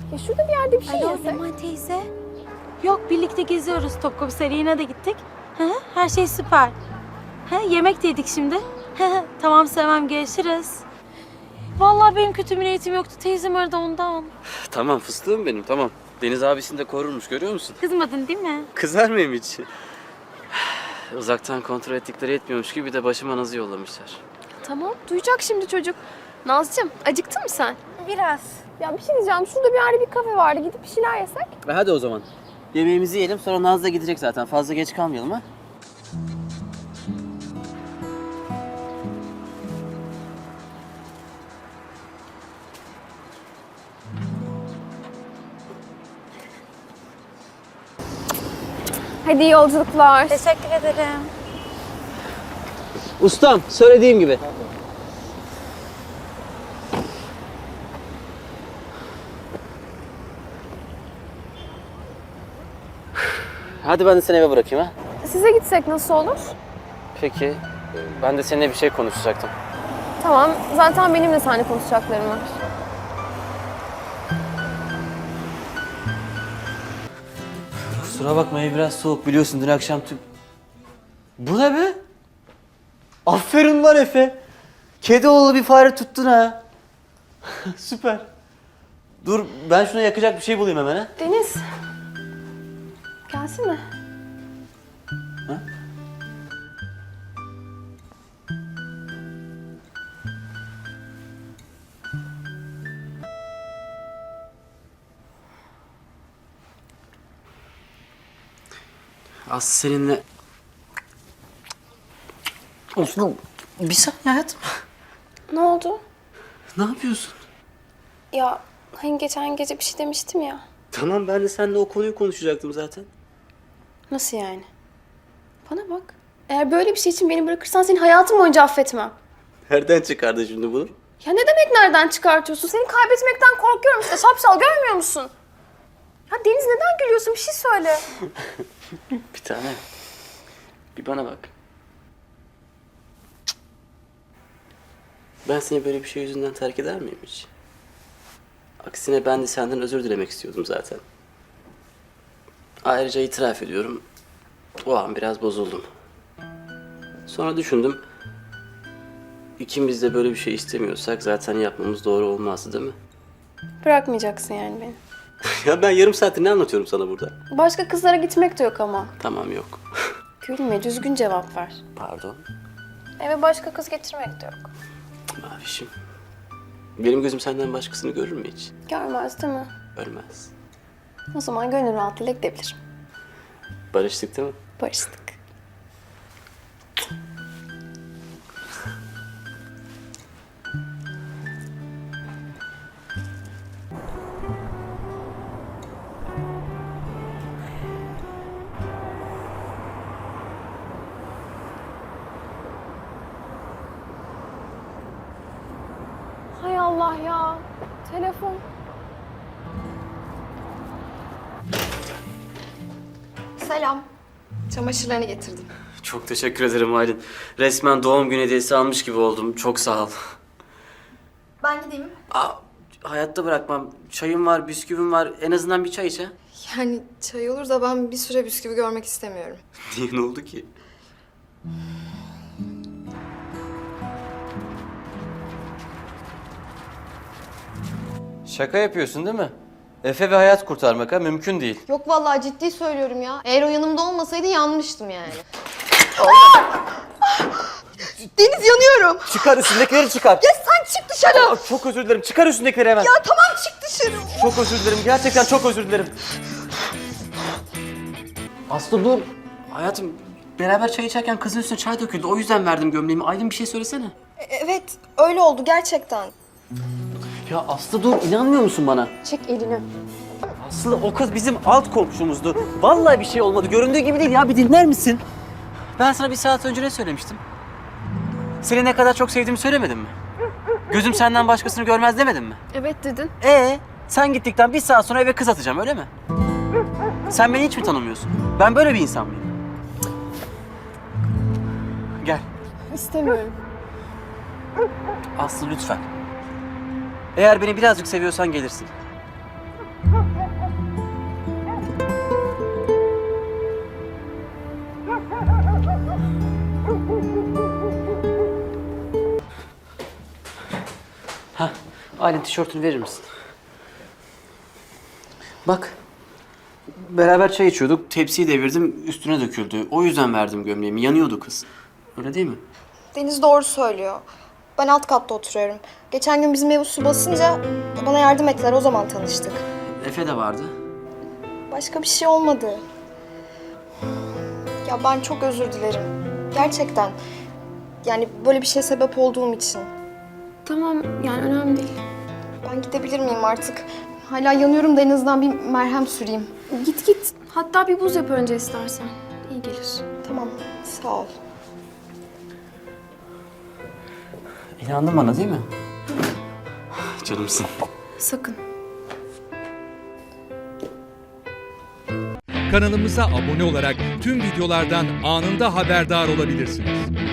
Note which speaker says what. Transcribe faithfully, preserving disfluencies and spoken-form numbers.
Speaker 1: Ya şurada bir yerde bir şey
Speaker 2: Alo
Speaker 1: yesek.
Speaker 2: Leman teyze. Yok, birlikte geziyoruz. Topkapı Sarayı'na da gittik. Hı hı, her şey süper. Hı, yemek de yedik şimdi. Hı hı, tamam Sevem, görüşürüz. Vallahi benim kötü bir niyetim yoktu. Teyzem aradı ondan.
Speaker 3: Tamam fıstığım benim, tamam. Deniz abisini de korurmuş, görüyor musun?
Speaker 2: Kızmadın değil mi?
Speaker 3: Kızar mıyım hiç? Uzaktan kontrol ettikleri yetmiyormuş gibi bir de başıma nazı yollamışlar.
Speaker 1: Tamam, duyacak şimdi çocuk. Nazcığım, acıktın mı sen?
Speaker 2: Biraz.
Speaker 1: Ya bir şey diyeceğim, şurada bir yerde bir kafe vardı. Gidip bir şeyler yesek.
Speaker 3: E hadi o zaman. Yemeğimizi yiyelim, sonra Naz da gidecek zaten. Fazla geç kalmayalım ha.
Speaker 1: Hadi iyi yolculuklar.
Speaker 2: Teşekkür ederim.
Speaker 3: Ustam, söylediğim gibi. Hadi ben de seni eve bırakayım ha.
Speaker 1: Size gitsek nasıl olur?
Speaker 3: Peki, ben de seninle bir şey konuşacaktım.
Speaker 1: Tamam, zaten benim de seninle konuşacaklarım var.
Speaker 3: Kusura bakma, ev biraz soğuk, biliyorsun dün akşam tüm... Bu ne be? Aferin lan Efe. Kedi oğlu bir fare tuttun ha. Süper. Dur, ben şuna yakacak bir şey bulayım hemen ha.
Speaker 1: Deniz. Gelsene.
Speaker 3: Ha? Aslı seninle... Osman, bir saniye hayatım.
Speaker 1: Ne oldu?
Speaker 3: Ne yapıyorsun?
Speaker 1: Ya hani geçen gece bir şey demiştim ya.
Speaker 3: Tamam, ben de seninle o konuyu konuşacaktım zaten.
Speaker 1: Nasıl yani? Bana bak. Eğer böyle bir şey için beni bırakırsan seni hayatım boyunca affetmem.
Speaker 3: Nereden çıkardın şimdi bunu?
Speaker 1: Ya ne demek nereden çıkartıyorsun? Seni kaybetmekten korkuyorum işte. Şapşal görmüyor musun? Ya Deniz neden gülüyorsun? Bir şey söyle.
Speaker 3: Bir tane. Bir bana bak. Ben seni böyle bir şey yüzünden terk eder miyim hiç? Aksine ben de senden özür dilemek istiyordum zaten. Ayrıca itiraf ediyorum. O an biraz bozuldum. Sonra düşündüm. İkimiz de böyle bir şey istemiyorsak zaten yapmamız doğru olmazdı değil mi?
Speaker 1: Bırakmayacaksın yani beni.
Speaker 3: Ya ben yarım saattir ne anlatıyorum sana burada?
Speaker 1: Başka kızlara gitmek de yok ama.
Speaker 3: Tamam, yok.
Speaker 1: Gülme, düzgün cevap ver.
Speaker 3: Pardon.
Speaker 1: Eve başka kız getirmek de yok.
Speaker 3: Mavişim. Benim gözüm senden başkasını görür mü hiç?
Speaker 1: Görmez değil mi?
Speaker 3: Ölmez.
Speaker 1: O zaman gönül rahatlığıyla gidebilirim.
Speaker 3: Barıştık değil mi?
Speaker 1: Barıştık. Hay Allah ya. Telefon.
Speaker 4: Selam. Çamaşırlarını getirdim.
Speaker 3: Çok teşekkür ederim Aylin. Resmen doğum günü hediyesi almış gibi oldum. Çok sağ ol.
Speaker 4: Ben gideyim mi?
Speaker 3: Aa, hayatta bırakmam. Çayım var, bisküvim var. En azından bir çay iç ha.
Speaker 4: Yani çay olur da ben bir süre bisküvi görmek istemiyorum.
Speaker 3: Niye, ne oldu ki? Şaka yapıyorsun değil mi? Efe ve hayat kurtarmak ha, mümkün değil.
Speaker 4: Yok vallahi ciddi söylüyorum ya. Eğer o yanımda olmasaydı yanmıştım yani. Deniz, yanıyorum.
Speaker 3: Çıkar, üstündekileri çıkar.
Speaker 4: Ya sen çık dışarı.
Speaker 3: Aa, çok özür dilerim. Çıkar üstündekileri hemen.
Speaker 4: Ya tamam, çık dışarı.
Speaker 3: Çok özür dilerim. Gerçekten çok özür dilerim. Aslı dur. Hayatım, beraber çay içerken kızın üstüne çay döküldü. O yüzden verdim gömleğimi. Aylin, bir şey söylesene.
Speaker 4: Evet, öyle oldu gerçekten.
Speaker 3: Ya Aslı dur. İnanmıyor musun bana?
Speaker 1: Çek elini.
Speaker 3: Aslı, o kız bizim alt komşumuzdu. Vallahi bir şey olmadı. Göründüğü gibi değil ya. Bir dinler misin? Ben sana bir saat önce ne söylemiştim? Seni ne kadar çok sevdiğimi söylemedim mi? Gözüm senden başkasını görmez demedim mi?
Speaker 1: Evet dedin.
Speaker 3: Ee, sen gittikten bir saat sonra eve kız atacağım, öyle mi? Sen beni hiç mi tanımıyorsun? Ben böyle bir insan mıyım? Gel.
Speaker 1: İstemiyorum.
Speaker 3: Aslı lütfen. Eğer beni birazcık seviyorsan gelirsin. Ha, Aylin tişörtünü verir misin? Bak. Beraber çay içiyorduk. Tepsiyi devirdim, üstüne döküldü. O yüzden verdim gömleğimi. Yanıyordu kız. Öyle değil mi?
Speaker 4: Deniz doğru söylüyor. Ben alt katta oturuyorum. Geçen gün bizim ev su basınca bana yardım ettiler. O zaman tanıştık.
Speaker 3: Efe de vardı.
Speaker 4: Başka bir şey olmadı. Ya ben çok özür dilerim. Gerçekten. Yani böyle bir şeye sebep olduğum için.
Speaker 1: Tamam yani önemli değil.
Speaker 4: Ben gidebilir miyim artık? Hala yanıyorum da en azından bir merhem süreyim.
Speaker 1: Git git. Hatta bir buz yap önce istersen. İyi gelir.
Speaker 4: Tamam, sağ ol.
Speaker 3: İnandın bana değil mi? Canımsın.
Speaker 1: Sakın.
Speaker 5: Kanalımıza abone olarak tüm videolardan anında haberdar olabilirsiniz.